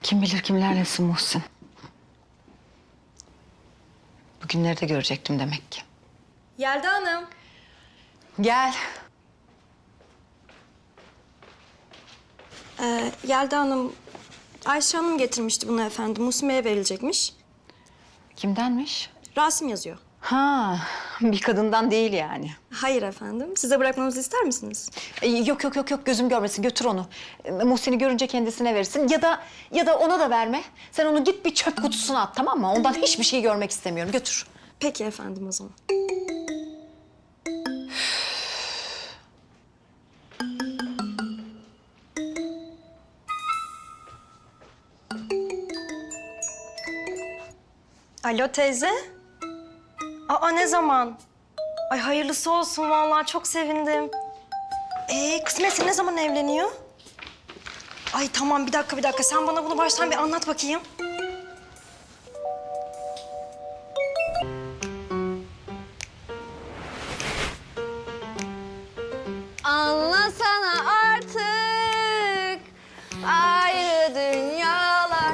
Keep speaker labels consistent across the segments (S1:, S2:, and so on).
S1: Kim bilir kimlerlesin Muhsin. Bugünleri de görecektim demek ki.
S2: Yelda Hanım.
S1: Gel.
S2: Yelda Hanım, Ayşe Hanım getirmişti bunu efendim. Muhsin Bey'e verilecekmiş.
S1: Kimdenmiş?
S2: Rasim yazıyor.
S1: Ha, bir kadından değil yani.
S2: Hayır efendim. Size bırakmamızı ister misiniz?
S1: Yok gözüm görmesin, götür onu. Muhsin'i görünce kendisine verirsin ya da ona da verme. Sen onu git bir çöp kutusuna at, tamam mı? Ondan hiçbir şey görmek istemiyorum, götür.
S2: Peki efendim o zaman. Alo teyze. Aa ne zaman? Ay hayırlısı olsun vallahi çok sevindim. Kısmetse ne zaman evleniyor? Ay tamam bir dakika. Sen bana bunu baştan bir anlat bakayım.
S3: Anlasana artık ayrı dünyalar.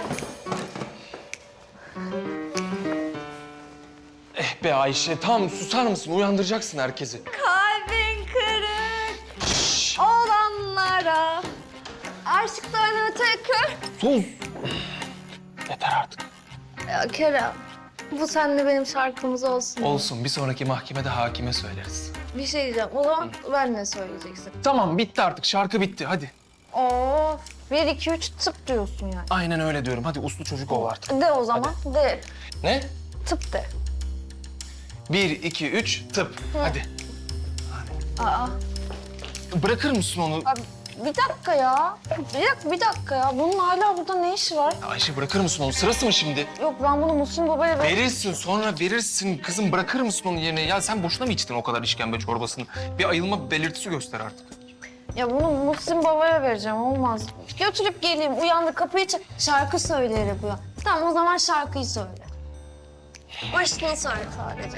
S4: Eh be Ayşe, tamam susar mısın? Uyandıracaksın herkesi.
S3: Kalbin kırık olanlara aşklarını tekrar...
S4: Sus! Yeter artık.
S3: Ya Kerem, bu seninle benim şarkımız olsun.
S4: Olsun, bir sonraki mahkemede hakime söyleriz.
S3: Bir şey diyeceğim. O zaman ben ne söyleyeceksin?
S4: Tamam, bitti artık. Şarkı bitti, hadi.
S3: Of, 1, 2, 3 tıp diyorsun yani.
S4: Aynen öyle diyorum. Hadi uslu çocuk ol artık.
S3: De o zaman, de.
S4: Ne?
S3: Tıp de.
S4: 1, 2, 3, tıp. Hadi.
S3: Aa,
S4: Bırakır mısın onu?
S3: abi, bir dakika ya. Bir dakika ya. Bunun hala burada ne işi var?
S4: Ayşe bırakır mısın onu? Sırası mı şimdi?
S3: Yok ben bunu Muhsin Baba'ya ver...
S4: Verirsin, sonra verirsin. Kızım bırakır mısın onun yerine? Ya sen boşuna mı içtin o kadar işkembe çorbasını? Bir ayılma belirtisi göster artık.
S3: Ya bunu Muhsin Baba'ya vereceğim, olmaz. Götürüp geleyim, uyandı kapıyı şarkı söyleyerek uyan. Tamam, o zaman şarkıyı söyle. Başını söyle sadece.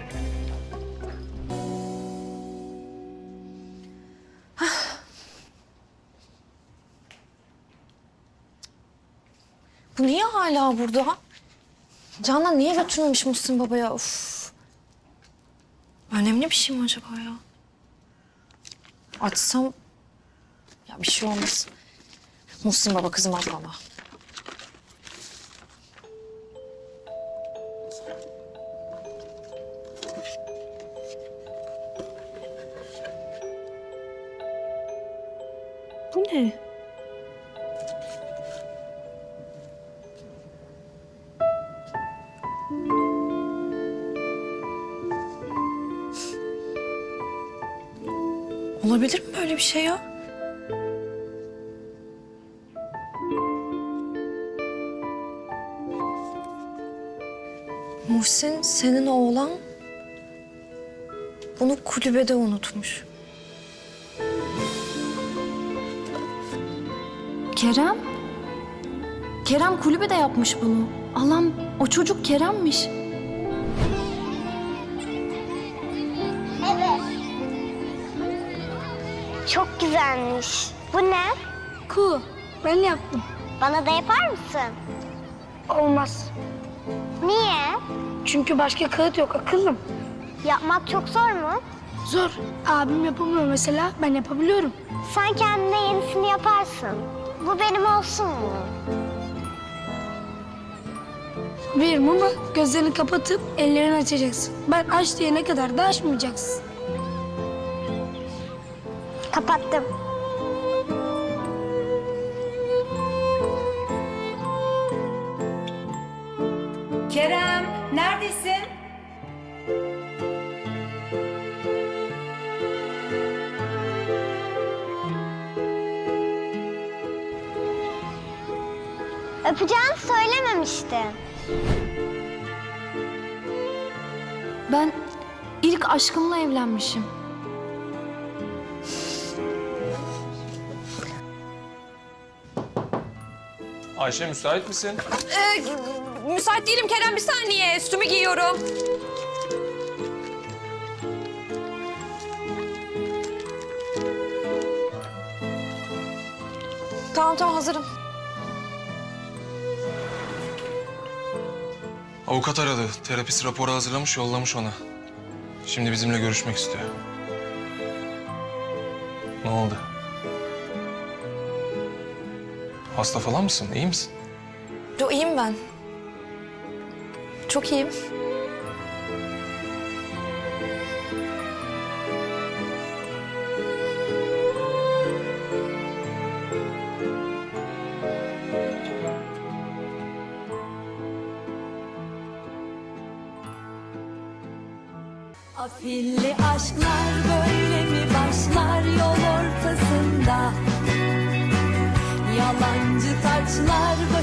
S3: Bu niye hala burada? Canan niye götürmemiş Muhsin Baba'ya? Of. Önemli bir şey mi acaba ya? Açsam... Ya bir şey olmaz. Muhsin Baba kızmaz bana. Bu ne? Olabilir mi böyle bir şey ya? Muhsin, senin oğlan bunu kulübede unutmuş.
S5: Kerem? Kerem kulübede yapmış bunu. Allah'ım o çocuk Kerem'miş.
S6: Evet. Çok güzelmiş. Bu ne?
S5: Ku, ben yaptım.
S6: Bana da yapar mısın?
S5: Olmaz.
S6: Niye?
S5: Çünkü başka kağıt yok akıllım.
S6: Yapmak çok zor mu?
S5: Zor. Abim yapamıyor mesela, ben yapabiliyorum.
S6: Sen kendine yenisini yaparsın. Bu benim olsun mu?
S5: Veririm ama gözlerini kapatıp ellerini açacaksın. Ben aç diyene kadar da açmayacaksın.
S6: Kapattım.
S7: Kerem, neredesin?
S6: Öpeceğini söylememiştin.
S5: Ben ilk aşkımla evlenmişim.
S4: Ayşe müsait misin?
S3: Müsait değilim Kerem, bir saniye. Üstümü giyiyorum. Tamam hazırım.
S4: Avukat aradı. Terapist raporu hazırlamış, yollamış ona. Şimdi bizimle görüşmek istiyor. Ne oldu? Hasta falan mısın? İyi misin?
S3: Yo, iyiyim ben. Çok iyiyim.
S8: Afilli aşklar böyle mi başlar yol ortasında? Yalancı taçlar